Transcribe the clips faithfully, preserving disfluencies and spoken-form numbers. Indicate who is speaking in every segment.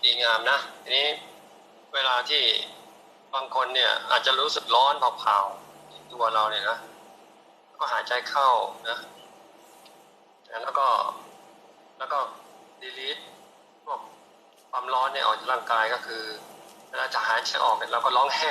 Speaker 1: ดีงามนะทีนี้เวลาที่บางคนเนี่ยอาจจะรู้สึกร้อนเผาๆที่ตัวเราเนี่ยนะก็หายใจเข้านะแล้วก็แล้วก็ดีลีทพวกความร้อนเนี่ยออกจากร่างกายก็คือเวลาจะหายใจออกเนี่ยเราก็ร้องแห่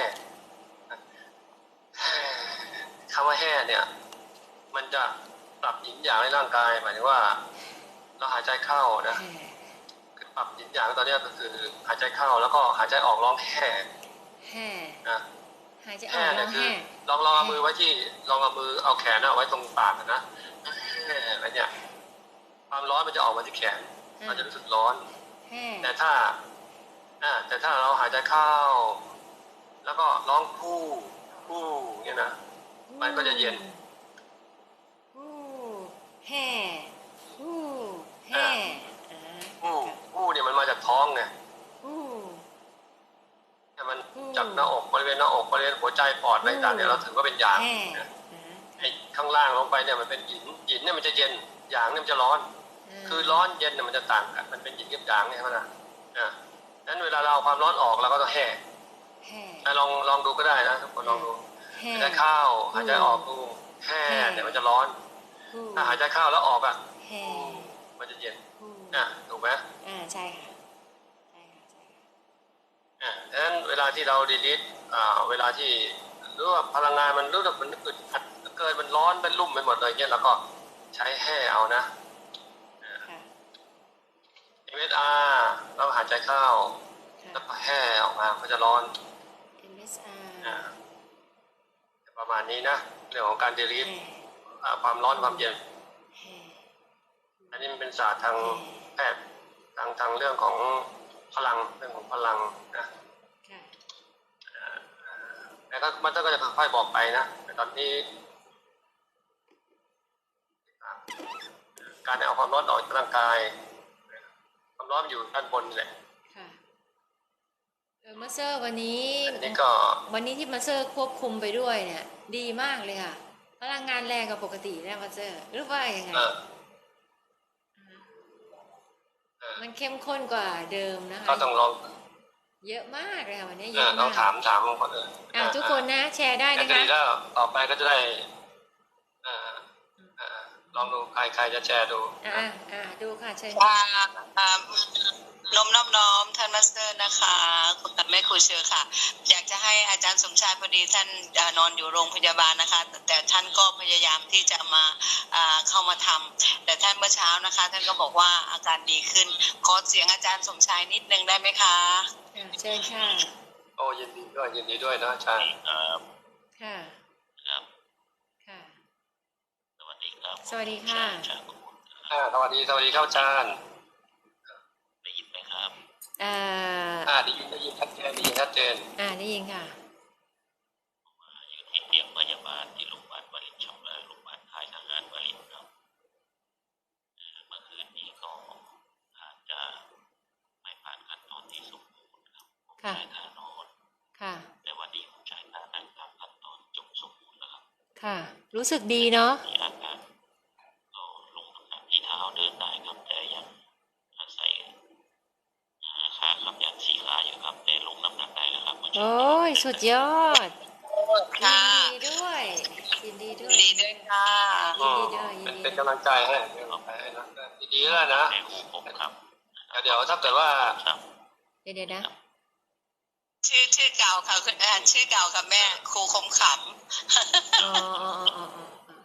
Speaker 1: คำว่าแห่เนี่ยมันจะปรับหยินหยางในร่างกายหมายถึงว่าเราหายใจเข้านะปรับหยินหยางตอนนี้ก็คือหายใจเข้าแล้วก็หายใจออกร้องแห่
Speaker 2: แห่
Speaker 1: นะ
Speaker 2: หายใจออกร้องแห่
Speaker 1: ลองลองเอามือไว้ที่ลองเอามือเอาแขนเอาไว้ตรงปากนะแห่อะไรเนี่ยความร้อนมันจะออกมาที่แขนมันจะรู้สึกร้อนแต่ถ้าแต่ถ้าเราหายใจเข้าแล้วก็ร้องพู่พู่เนี่ยนะมันก็จะเย็น
Speaker 2: พู่แห่พู่แห่
Speaker 1: พู่พู่เนี่ยมันมาจากท้องไงพู่แต่มันจากหน้าอกบริเวณหน้าอกบริเวณหัวใจปอดอะไรต่างเนี่ยเราถือว่าเป็นหยางไอ้ข้างล่างลงไปเนี่ยมันเป็นหยินหยินเนี่ยมันจะเย็นหยางเนี่ยมันจะร้อนคือร้อนเย็นเนี่ยมันจะต่างกันมันเป็นหยินกับหยางเนี่ยนะอ่านั้นเวลาเราความร้อนออกเราก็ต้องแห่ลองลองดูก็ได้นะทุกคนลองดูหายใจเข้าหายใจออกดูแห่เนี่ยมันจะร้อนถ้าหายใจเข้าแล้วออกอ่ะมันจะเย็นอ่ะถูกไหม
Speaker 2: อ่าใช่ค่ะใช่ค่ะใช่ค่ะ
Speaker 1: อ่าดังนั้นเวลาที่เราดีลิทอ่าเวลาที่รู้ว่าพลังงานมันรู้สึกมันอึดอัดเกินมันร้อนเป็นลุ่มไปหมดเลยเนี่ยเราก็ใช้แห่เอานะเอ็ม เอส อาร์ เราหายใจเข้าแล้วก็แห่ออกมาก็จะร้อน
Speaker 2: เอ็ม เอส อาร์
Speaker 1: ประมาณนี้นะเรื่องของการดีลิทความร้อนความเย็นอันนี้มันเป็นศาสตร์ทางแพทย์ทางทางเรื่องของพลังเรื่องของพลังนะแต่ก็มันก็จะค่อยๆบอกไปนะแต่ตอนนี้การเอาความร้อนออกจากร่างกายความร้อนอยู่ด้านบนนี่แหละ
Speaker 2: ค่ะเออมาสเตอร์วันนี้
Speaker 1: นี่ก็
Speaker 2: วันนี้ที่มาสเตอร์ควบคุมไปด้วยเนี่ยดีมากเลยค่ะพลังงานแรงกว่าปกตินะมาสเตอร์หรือว่ายังไงมันเข้มข้นกว่าเดิมนะคะ
Speaker 1: ก็ต้องลอง
Speaker 2: เยอะมากเลยค่ะวันนี้เยอะมาก
Speaker 1: ต้องถามถามคนอื่น
Speaker 2: อ่าทุกคนนะแชร์ได้นะคะ
Speaker 1: แล้วต่อไปก็จะได้ลองดูใครใครจะแชร์ดู
Speaker 2: อ่าอ่าดูค่ะเชิญ
Speaker 3: ค่ะน้อมน้อมน้อมท่านมาสเตอร์นะคะคุณแม่ครูเชอร์ค่ะอยากจะให้อาจารย์สมชายพอดีท่านนอนอยู่โรงพยาบาลนะคะแต่ท่านก็พยายามที่จะมาเข้ามาทำแต่ท่านเมื่อเช้านะคะท่านก็บอกว่าอาการดีขึ้นขอเสียงอาจารย์สมชายนิดนึงได้ไหมคะ
Speaker 2: เชิญค่ะ
Speaker 1: โอ้ยินดีด้วยยินดีด้วยนะอาจารย์
Speaker 2: ค่ะ
Speaker 3: ครับ
Speaker 2: ค่ะ
Speaker 3: สวัสดีครับ
Speaker 2: สวัสดีค่ะ
Speaker 1: สวัสดีสวัสดีครับอาจารย์
Speaker 3: ได้ยินไหมครับ
Speaker 2: อ่า
Speaker 1: อ่าได้ยินได้ยินชัดเจนได้ยินชัดเจน
Speaker 2: อ่าได้ยินค่ะ
Speaker 3: อยู่ที่เตียงพยาบาลที่โรงพยาบาลวลินชำราบโรงพยาบาลค่ายทหารวลินครับเมื่อคืนนี้ก็อาจจะไม่ผ่านขั้นตอนที่สมบูรณ์ครับผมใช้ท่านอน
Speaker 2: ค่ะ
Speaker 3: แต่วันนี้ผมใช้ท่านั่งตามขั้นตอนจงสมบูรณ์นะครับ
Speaker 2: ค่ะรู้สึกดีเนาะ
Speaker 3: อาการก็ลงน้ำหนักที่เท้าเดินได้ครับแต่ยังอาศัยขาขับยันสี่ขาอยู่ครับแต่ลงน้ำหนักได้แล้วครับ
Speaker 2: โอ้ยสุดยอดยินดีด้วยยินดีด้วย
Speaker 3: ยินดีด้วยค่ะ
Speaker 2: ยินดีด้วย
Speaker 1: เป็นกำลังใจให้ดีๆแล้วนะ
Speaker 3: ผมครับ
Speaker 1: เดี๋ยวถ้าเกิดว่า
Speaker 2: เดี๋ยวเดี๋ยวนะ
Speaker 3: ชื่อชื่อเก่าค่ะคุณอาชื่อเก่าค่ะแม่ครูคมขำ
Speaker 2: อ๋ออ๋ออ๋อ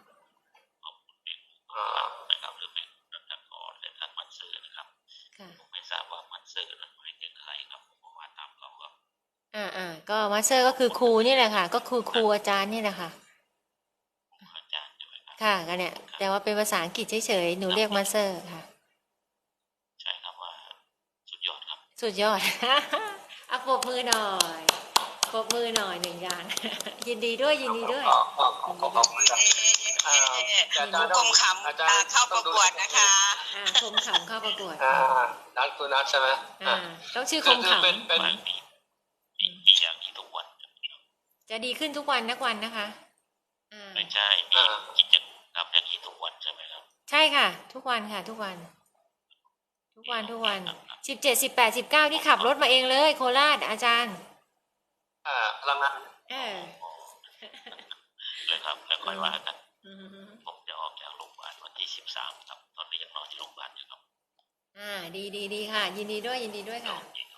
Speaker 3: อ๋อนะครับหรือแม่รัตกรและท่านมันซื่อนะครับผมไม่ทราบว่ามันซื่อนั้นหมายถึงใครครับผมบอกว่าตามเขาครับ
Speaker 2: อ่าอ่าก็มาสเตอร์ก็คือครูนี่แหละค่ะก็คือครูอาจารย์นี่แหละค่ะ
Speaker 3: อาจารย์ใช่ไหมครับ
Speaker 2: ค่ะกันเนี่ยแต่ว่าเป็นภาษาอังกฤษเฉยๆหนูเรียกมาสเตอร์ค่ะ
Speaker 3: ใช่ครับว่าสุดยอดครับ
Speaker 2: สุดยอดอ่ะปรบมือหน่อยปรบมือหน่อยหนึ่งอย่างยินดีด้วยยินดีด้วย
Speaker 1: ขอบคุณครับ
Speaker 3: คมขำเข้าประกวดนะคะ
Speaker 2: อ่าคมขำเข้าประกวด
Speaker 1: อ่านัดคุณนัดใช่ไหม
Speaker 2: อ่าต้องชื่อคมขำ
Speaker 1: เป็นเป็น
Speaker 3: มีอย่างนี้ทุกวัน
Speaker 2: จะดีขึ้นทุกวันนักวันนะคะ
Speaker 3: ไม่ใช่มีกิจกรรมอย่างนี้ทุกวันใช่ไหมครับ
Speaker 2: ใช่ค่ะทุกวันค่ะทุกวันทุกวันทุกวันสิบเจ็ดสิบแปดสิบเก้าที่ขับรถมาเองเลยโคราชอาจารย์
Speaker 1: อ่าพลังงาน
Speaker 2: เออ
Speaker 4: เลยครับแล้วค่อยว่ากัน
Speaker 2: อืม
Speaker 4: ผมจะออกจากโรงพยาบาลวันที่สิบสามครับตอนนี้ยังนอนที่โรงพยาบาลอยู่ครับ
Speaker 2: อ่าดีดีดีค่ะ ยินดีด้วยยินดีด้วยค่ะ
Speaker 4: ยิน